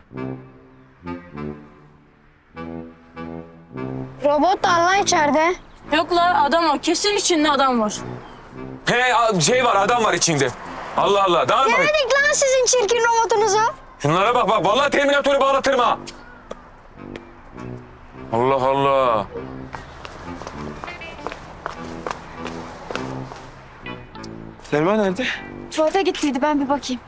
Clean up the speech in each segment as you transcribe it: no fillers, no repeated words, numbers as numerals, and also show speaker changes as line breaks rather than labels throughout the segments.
Robot da lan içeride.
Yok la adam var. Kesin içinde adam var.
He şey var, adam var içinde. Allah Allah, daha mı?
Yemedik lan sizin çirkin robotunuzu.
Şunlara bak bak, vallahi Terminatör'ü bağlatırım ha. Allah Allah.
Selma nerede?
Tuvalete gittiydi, ben bir bakayım.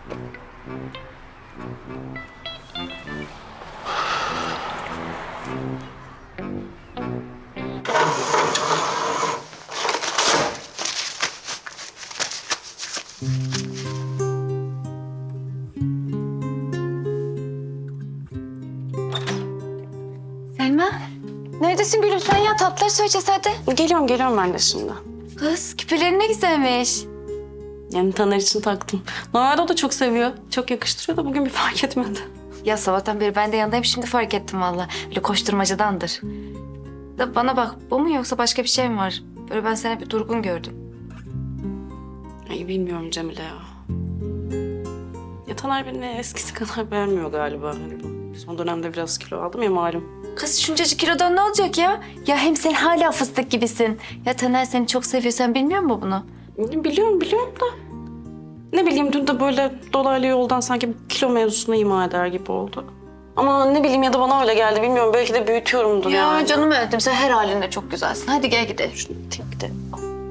Selma, neredesin gülüm sen ya? Tatlıları söyleyeceğiz hadi.
Geliyorum ben de şimdi.
Kız, küpelerin ne güzelmiş.
Yani Taner için taktım. Normalde o da çok seviyor. Çok yakıştırıyor da bugün bir fark etmedi.
Ya sabahtan beri ben de yanındayım, şimdi fark ettim valla. Böyle koşturmacadandır. Da bana bak, bu mu yoksa başka bir şey mi var? Böyle ben seni bir durgun gördüm.
Ay bilmiyorum Cemile ya. Ya Taner beni eskisi kadar beğenmiyor galiba. Hani bu son dönemde biraz kilo aldım ya malum.
Kız şuncacık kilodan ne olacak ya? Ya hem sen hala fıstık gibisin. Ya Taner seni çok seviyor, sen bilmiyor musun bunu?
Biliyorum da. Ne bileyim dün de böyle dolaylı yoldan sanki kilo mevzusunu ima eder gibi oldu. Ama ne bileyim ya da bana öyle geldi bilmiyorum. Belki de büyütüyorumdur
Ya
yani.
canım öldüm, sen her halinde çok güzelsin. Hadi gel gidelim.
Tek de.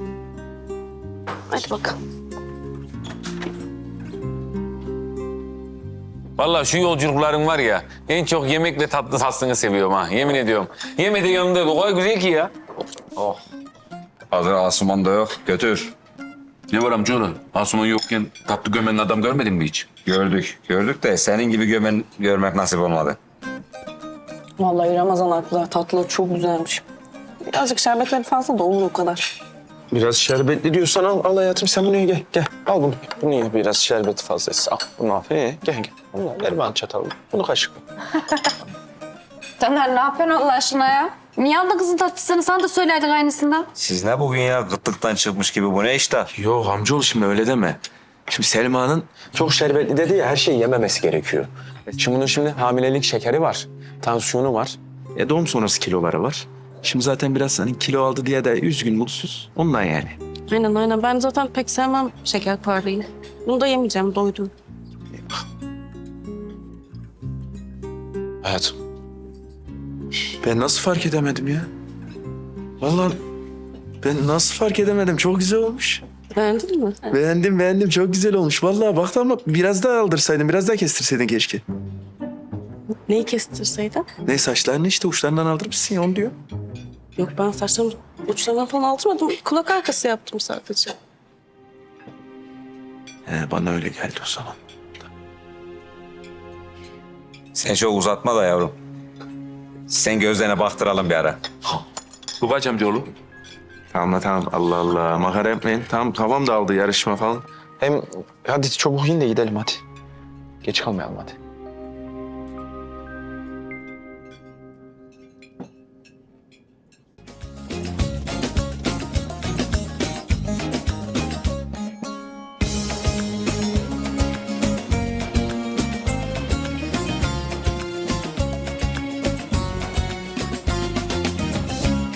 Hadi bakalım.
Vallahi şu yolculukların var ya, en çok yemekle tatlı tatlını seviyorum ha, yemin ediyorum. Yemedi yanında o kadar güzel ki ya. Oh.
Hazır Asuman da yok. Götür.
Ne var amcaoğlu? Asuman yokken tatlı gömenin adam görmedin mi hiç?
Gördük de senin gibi görmek nasip olmadı.
Vallahi Ramazan haklı. Tatlı çok güzelmiş. Birazcık şerbetleri fazla da olur o kadar.
Biraz şerbetli diyorsan al hayatım, sen bunu ye, gel. Al bunu. Bunu ye, biraz şerbeti fazlası. Al bunu al. Gel. Bunu ver bana çatalı. Bunu kaşıkla.
Taner ne yapıyorsun Allah aşkına ya? Niye aldın kızın tatlısını? Sana da söylerdik aynısından.
Siz ne bugün ya? Gıtlıktan çıkmış gibi, bu ne işte?
Yok amcaoğlu, şimdi öyle deme. Şimdi Selma'nın çok şerbetli dedi ya, her şeyi yememesi gerekiyor. Şimdi bunun hamilelik şekeri var, tansiyonu var. Doğum sonrası kiloları var. Şimdi zaten biraz hani kilo aldı diye de üzgün, mutsuz. Ondan yani.
Aynen. Ben zaten pek sevmem şekerparelıyı. Bunu da yemeyeceğim, doydum.
Hayatım. Ben nasıl fark edemedim ya? Vallahi ben nasıl fark edemedim? Çok güzel olmuş.
Beğendin mi?
Beğendim. Çok güzel olmuş. Vallahi baktım ama biraz daha aldırsaydın, biraz daha kestirseydin keşke.
Neyi kestirseydin?
Ne, saçlarını işte uçlarından aldırmışsın ya, onu diyor.
Yok ben saçlarımı uçlarından falan aldırmadım. Kulak arkası yaptım sadece.
Bana öyle geldi o zaman.
Sen çok uzatma da yavrum. Sen gözlerine baktıralım bir ara.
Bu kaç amcaoğlu?
Tamam. Allah Allah. Makara yapmayın. Tamam, kafam dağıldı yarışma falan. Hem hadi çabuk in de gidelim hadi. Geç kalmayalım hadi.